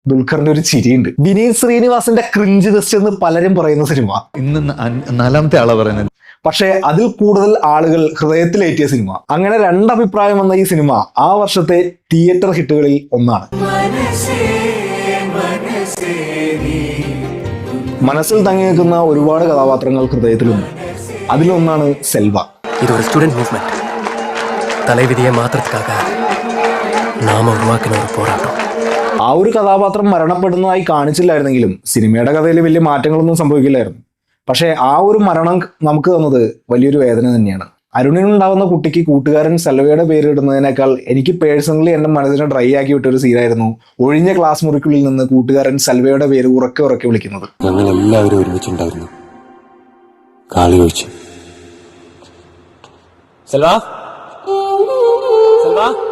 ദുൽഖറിന്റെ ഒരു ചിരിയുണ്ട്. വിനീത് ശ്രീനിവാസന്റെ cringe test എന്ന് പലരും പറയുന്ന സിനിമ ഇന്ന് 4ാമത്തെ ആളാ പറയുന്നത്. പക്ഷേ അതിൽ കൂടുതൽ ആളുകൾ ഹൃദയത്തിലേറ്റിയ സിനിമ. അങ്ങനെ രണ്ടഭിപ്രായം വന്ന ഈ സിനിമ ആ വർഷത്തെ തിയേറ്റർ ഹിറ്റുകളിൽ ഒന്നാണ്. മനസ്സിൽ തങ്ങി നിൽക്കുന്ന ഒരുപാട് കഥാപാത്രങ്ങൾ ഹൃദയത്തിലുണ്ട്. അതിലൊന്നാണ് സെൽവ. ഇതൊരു സ്റ്റുഡന്റ് മൂവ്മെന്റ്. തലവിധിയെ മാത്രത്തിക്കാക നാമ ഉരുവാക്കുന്ന ഒരു പോരാട്ടം. ആ ഒരു കഥാപാത്രം മരണപ്പെടുന്നതായി കാണിച്ചില്ലായിരുന്നെങ്കിലും സിനിമയുടെ കഥയിൽ വലിയ മാറ്റങ്ങളൊന്നും സംഭവിക്കില്ലായിരുന്നു. പക്ഷേ ആ ഒരു മരണം നമുക്ക് തന്നത് വലിയൊരു വേദന തന്നെയാണ്. അരുണിനുണ്ടാവുന്ന കുട്ടിക്ക് കൂട്ടുകാരൻ സെൽവയുടെ പേരിടുന്നതിനേക്കാൾ എനിക്ക് പേഴ്സണലി എൻ്റെ മനസ്സിനെ ഡ്രൈ ആക്കി വിട്ടൊരു സീനായിരുന്നു ഒഴിഞ്ഞ ക്ലാസ് മുറിക്കുള്ളിൽ നിന്ന് കൂട്ടുകാരൻ സെൽവയുടെ പേര് ഉറക്കെ ഉറക്കെ വിളിക്കുന്നത്. ഞങ്ങൾ എല്ലാവരും ഒരുമിച്ചുണ്ടായിരുന്നു. കാളി ഒഴിച്ച്. സെൽവ, സെൽവ.